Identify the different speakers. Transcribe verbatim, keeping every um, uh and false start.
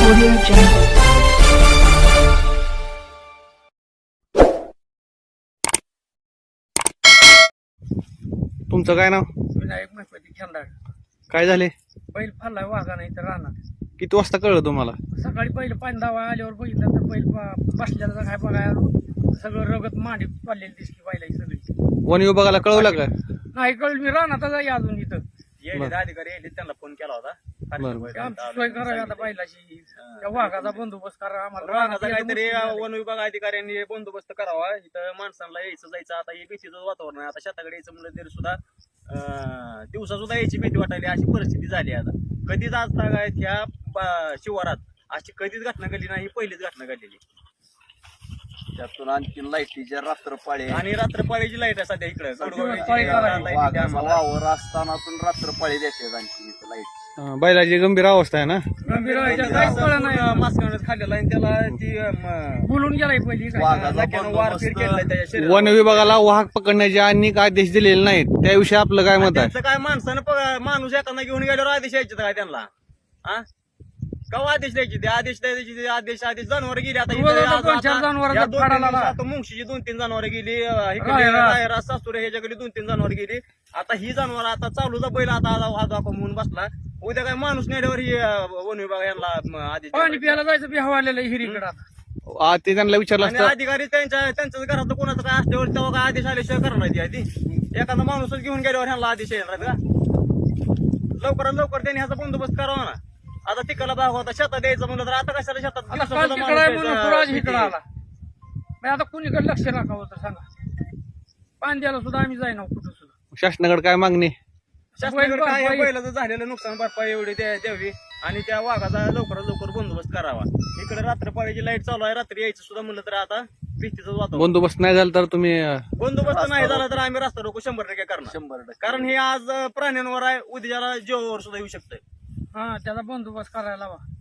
Speaker 1: Audio Jungle.
Speaker 2: तुमचं काय नाव?
Speaker 3: विनायक महपती खेंदाड.
Speaker 2: काय झाले?
Speaker 3: बैल फाडलाय वाघा नाही तर राहणार.
Speaker 2: किती वाजता कळलं तुम्हाला?
Speaker 3: सकाळी पहिलं पाणी दावा आल्यावर बघितलं तर बैल पा- बसलेला काय बघायला सगळं रगत मांडी पडलेली दिसली बैलाची सगळी.
Speaker 2: वन विभागाला कळवलं का?
Speaker 3: नाही कळलं मी राहणार आहे अजून इथं.
Speaker 2: बरं.
Speaker 4: अधिकारी यायले त्यांना फोन केला होता.
Speaker 2: बरं.
Speaker 3: आमची सोय करावी आता बैलाची. त्या वाघाचा बंदोबस्त करा आम्हाला.
Speaker 4: रानाचा
Speaker 3: रानात
Speaker 4: काहीतरी
Speaker 3: यायला मुश्किल
Speaker 4: वन विभाग अधिकाऱ्यांनी बंदोबस्त करावा. इथं माणसांना यायचं जायचं आता हे भीतीचं वातावरण आहे. आता शेताकडे यायचं म्हणलं तरी सुद्धा अं, दिवसा सुद्धा यायची भीती वाटायली अशी परिस्थिती झाली आता. कधीच आज काय ह्या ब- शिवारात अशी कधीच घटना घडली नाही, ही पहिलीच घटना घडलेली.
Speaker 5: त्यातून आणखी लाईटीच्या रात्रपाळी
Speaker 4: आणि रात्रपाळीची लाईट आहे सध्या इकडे
Speaker 3: रात्रपाळी करायला.
Speaker 5: वाघाचा वावर असतानातून रात्रपाळी देते आणखी इथं लाईट.
Speaker 2: अं, बैलाची गंभीर अवस्था आहे ना?
Speaker 3: गंभीर व्हायच्या काहीच कळलं नाही.
Speaker 4: मास्कानं खाल्लेला आणि त्याला ती अं,
Speaker 3: बोलून गेलाय पहिली काय.
Speaker 5: वाघाचा
Speaker 4: लाक्यानं वारपीट केलेला
Speaker 5: बंदोबस्त
Speaker 4: त्याच्या शरीरावर.
Speaker 2: वन विभागाला वाहक पकडण्याचे अनेक आदेश दिलेले नाहीत, त्याविषयी आपलं काय मत आहे?
Speaker 4: त्यांचं काय माणसानं प- माणूस एखादा घेऊन गेल्यावर आदेश यायचे काय त्यांना? हा केव्हा आदेश द्यायचे? ते आदेश द्यायचे ते आदेश आदेश जनावर गेली आता
Speaker 3: रोज
Speaker 4: इथे
Speaker 3: आता
Speaker 4: आज-
Speaker 3: दोन चार
Speaker 4: आता-
Speaker 3: जनावरांचा
Speaker 4: या दोन तीन
Speaker 3: फाडाला
Speaker 4: दिवसात
Speaker 3: ला.
Speaker 4: आता मुंगशीची दोन तीन जनावर गेली, अं, इकडे
Speaker 3: रायरा.
Speaker 4: रायरा, सासुरे ह्याच्या गेली दोन तीन जनावर गेली. आता ही जनावर आता चालूचा बैल आता हात दाखवा म्हणून बसला. उद्या काय माणूस नेल्यावर ही अं, वन विभाग यांना अं, आदेश
Speaker 3: पाणी
Speaker 4: द्यायला
Speaker 3: प्यायला जायचं बी हवालेलं हिरीकडे आता.
Speaker 2: आ, ते त्यांना विचारलं
Speaker 4: आणि
Speaker 2: असतं.
Speaker 4: अधिकारी त्यांच्या त्यांच्याच घरात कोणाचं काय असल्यावर तेव्हा काय आदेश आल्याशिवाय करणार ती आधी. एखादा माणूसच घेऊन गेल्यावर ह्यांना आदेश येणार का? लवकरात लवकर त्यांनी ह्याचा बंदोबस्त करावा ना. आता तिकडला भाग होता शेतात द्यायचं म्हणलं तर आता कशाला शेतात
Speaker 3: आता
Speaker 4: दिवसा
Speaker 3: काल
Speaker 4: सुद्धा
Speaker 3: तिकडे आहे
Speaker 4: माणूस
Speaker 3: म्हणून
Speaker 4: यायचा,
Speaker 3: पुराज
Speaker 4: भीती.
Speaker 3: इकडे आला. मग आता कुणीकडे लक्ष राखावं तर सांगा. पाणी द्यायला सुद्धा आम्ही जाईना कुठं सुद्धा.
Speaker 2: शासनाकडे काय मागणी?
Speaker 4: शासनाकडे काय
Speaker 3: भरपाई-
Speaker 4: पहिलं झालेलं नुकसान भरपाई एवढी द्या- द्यावी आणि त्या वाघाचा लवकरात लवकर बंदोबस्त करावा. इकडे रात्रपाळीची लाईट चालू आहे, रात्री यायचं सुद्धा म्हणलं तर आता भीतीचं वातावरण.
Speaker 2: बंदोबस्त नाही झाला तर तुम्ही अं,
Speaker 4: बंदोबस्त नाही झाला तर आम्ही रस्ता रोको शंभर टक्के करणार.
Speaker 5: शंभर टक्के.
Speaker 4: कारण हे आज प्राण्यांवर आहे, उद्याला जीवावर सुद्धा येऊ शकतंय.
Speaker 3: हा त्याचा बंदोबस्त करायला हवा.